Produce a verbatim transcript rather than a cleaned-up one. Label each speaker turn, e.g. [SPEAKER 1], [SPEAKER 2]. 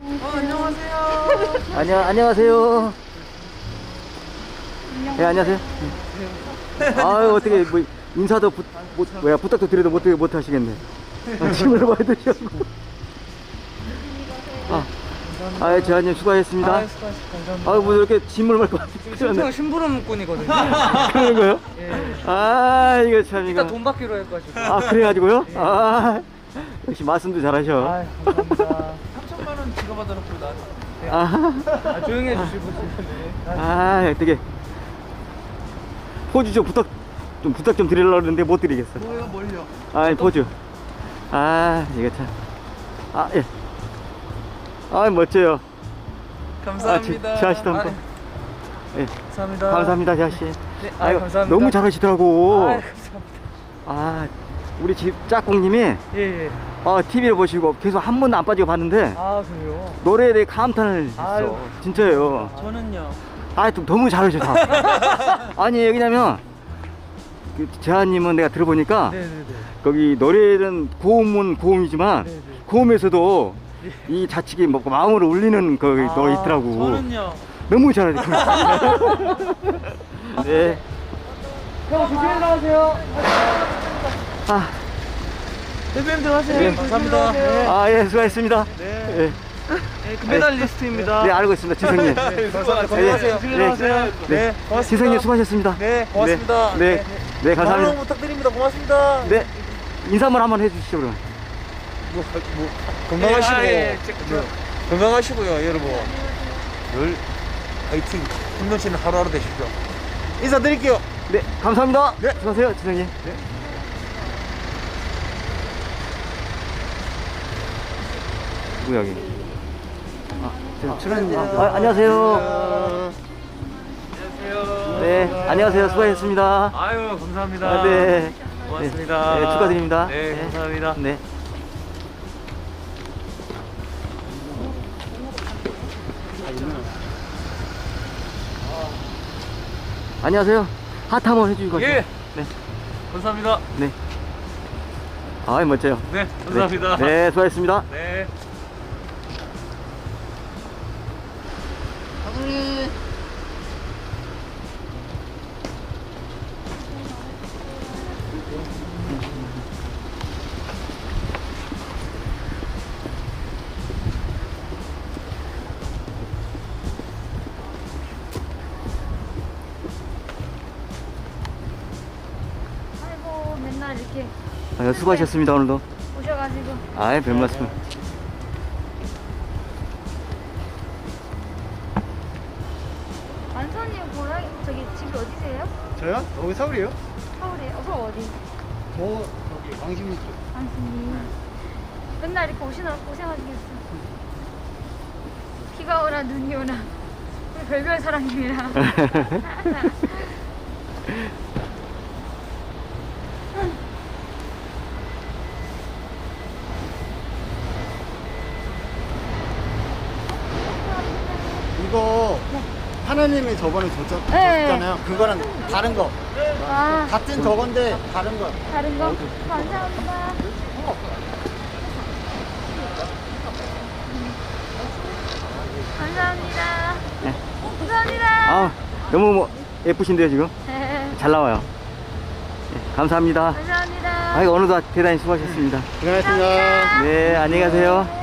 [SPEAKER 1] 어, 안녕하세요.
[SPEAKER 2] 안녕, 안녕하세요. 예, 안녕하세요. 아유, 어떻게, 뭐, 인사도, 부, 못, 뭐야, 부탁도 드려도 못, 못 하시겠네. 아, 짐을 많이 드시고. 아, 아, 재환님 수고하셨습니다.
[SPEAKER 1] 아, 수고하셨습니다. 감사합니다.
[SPEAKER 2] 아, 뭐 이렇게 짐을 말고.
[SPEAKER 1] 신청 심부름꾼이거든요.
[SPEAKER 2] 그런 거요?
[SPEAKER 1] 예.
[SPEAKER 2] 아, 이거 참, 이거.
[SPEAKER 1] 일단 돈 받기로 해가지고.
[SPEAKER 2] 아, 그래가지고요?
[SPEAKER 1] 예.
[SPEAKER 2] 아, 역시 말씀도 잘하셔.
[SPEAKER 1] 아, 감사합니다.
[SPEAKER 3] 삼천만 원 지가 받아놓고 나한테.
[SPEAKER 2] 아,
[SPEAKER 1] 아, 조용히 해주시고. 네.
[SPEAKER 2] 아, 어떻게. 포즈 좀 부탁, 좀 부탁 좀 드리려고 했는데 못 드리겠어.
[SPEAKER 3] 뭐예요, 뭘요?
[SPEAKER 2] 아, 포즈. 아, 이거 참. 아, 예. 아, 멋져요.
[SPEAKER 3] 감사합니다.
[SPEAKER 2] 아, 재하 씨도 한 번. 예.
[SPEAKER 1] 감사합니다.
[SPEAKER 2] 감사합니다, 재하 씨.
[SPEAKER 1] 네, 아,
[SPEAKER 2] 아유,
[SPEAKER 1] 감사합니다.
[SPEAKER 2] 너무 잘하시더라고.
[SPEAKER 1] 아, 감사합니다.
[SPEAKER 2] 아, 우리 집 짝꿍님이
[SPEAKER 1] 예, 예.
[SPEAKER 2] 어, 티비를 보시고 계속 한 번도 안 빠지고 봤는데
[SPEAKER 1] 아, 그래요?
[SPEAKER 2] 노래에 대해 감탄을 했어.
[SPEAKER 1] 아유.
[SPEAKER 2] 진짜예요.
[SPEAKER 3] 저는요.
[SPEAKER 2] 아, 좀 너무 잘하셔서. 아니, 왜냐면 그 재하님은 내가 들어보니까
[SPEAKER 1] 네네네.
[SPEAKER 2] 거기 노래는 고음은 고음이지만
[SPEAKER 1] 네네.
[SPEAKER 2] 고음에서도 이 자식이 뭐 마음으로 울리는 그
[SPEAKER 1] 아,
[SPEAKER 2] 너 있더라고.
[SPEAKER 3] 저는요.
[SPEAKER 2] 너무 잘하죠. 네.
[SPEAKER 1] 형, 조심히 나가세요.
[SPEAKER 2] 아,
[SPEAKER 1] 대표님들 하세요.
[SPEAKER 2] 네,
[SPEAKER 1] 감사합니다. 네.
[SPEAKER 2] 아, 예, 수고하셨습니다.
[SPEAKER 1] 네.
[SPEAKER 2] 예.
[SPEAKER 1] 네, 금메달리스트입니다.
[SPEAKER 2] 네, 알고 있습니다, 지성님.
[SPEAKER 1] 네, 감사합니다.
[SPEAKER 2] 네,
[SPEAKER 1] 건강하세요. 조심히
[SPEAKER 2] 네,
[SPEAKER 1] 나가세요.
[SPEAKER 2] 네,
[SPEAKER 1] 고맙습니다.
[SPEAKER 2] 지성님 수고하셨습니다.
[SPEAKER 1] 네, 고맙습니다.
[SPEAKER 2] 네, 네, 네, 감사합니다.
[SPEAKER 1] 방송 부탁드립니다. 고맙습니다.
[SPEAKER 2] 네, 인사만 한번 해주시죠, 그럼.
[SPEAKER 1] 뭐, 뭐, 건강하시고,
[SPEAKER 3] 예, 아, 예,
[SPEAKER 1] 네, 건강하시고요, 여러분. 늘 화이팅, 힘넘치는 하루하루 되십시오. 인사드릴게요.
[SPEAKER 2] 네, 감사합니다.
[SPEAKER 1] 네.
[SPEAKER 2] 수고하세요, 지성님. 네. 누구 여기? 아, 저 출연. 아, 아, 안녕하세요.
[SPEAKER 3] 안녕하세요.
[SPEAKER 2] 네, 안녕하세요. 수고하셨습니다.
[SPEAKER 3] 아유, 감사합니다.
[SPEAKER 2] 아, 네.
[SPEAKER 3] 고맙습니다.
[SPEAKER 2] 네, 네, 축하드립니다.
[SPEAKER 3] 네, 감사합니다.
[SPEAKER 2] 네. 안녕하세요. 하트 한번 해주시고 가시죠.
[SPEAKER 3] 예.
[SPEAKER 2] 네.
[SPEAKER 3] 감사합니다.
[SPEAKER 2] 네. 아, 멋져요.
[SPEAKER 3] 네, 감사합니다.
[SPEAKER 2] 네, 네, 수고하셨습니다.
[SPEAKER 3] 네.
[SPEAKER 4] 아이고 맨날 이렇게
[SPEAKER 2] 아, 수고하셨습니다, 오늘도.
[SPEAKER 4] 오셔가지고
[SPEAKER 2] 아이, 별 말씀.
[SPEAKER 4] 완선이 고향 저기 집이 어디세요?
[SPEAKER 5] 저요? 여기 서울이요?
[SPEAKER 4] 서울에 어 그럼 어디?
[SPEAKER 5] 저 저기 왕십리 쪽.
[SPEAKER 4] 안순이 맨날 이렇게 오시느라 고생하시겠어. 비가 오나 눈이 오나 우리 별별 사랑님이라
[SPEAKER 5] 이거 하나님이 저번에 줬잖,
[SPEAKER 4] 네.
[SPEAKER 5] 줬잖아요. 그거랑 다른 거.
[SPEAKER 4] 아
[SPEAKER 5] 같은 저건데 다른 거.
[SPEAKER 4] 다른 거? 감사합니다. 감사합니다.
[SPEAKER 2] 네.
[SPEAKER 4] 감사합니다.
[SPEAKER 2] 아, 너무 뭐 예쁘신데요, 지금? 잘 나와요. 네, 감사합니다.
[SPEAKER 4] 감사합니다.
[SPEAKER 2] 아이고, 오늘도 대단히 수고하셨습니다.
[SPEAKER 5] 고생하셨습니다.
[SPEAKER 2] 네, 안녕히 가세요.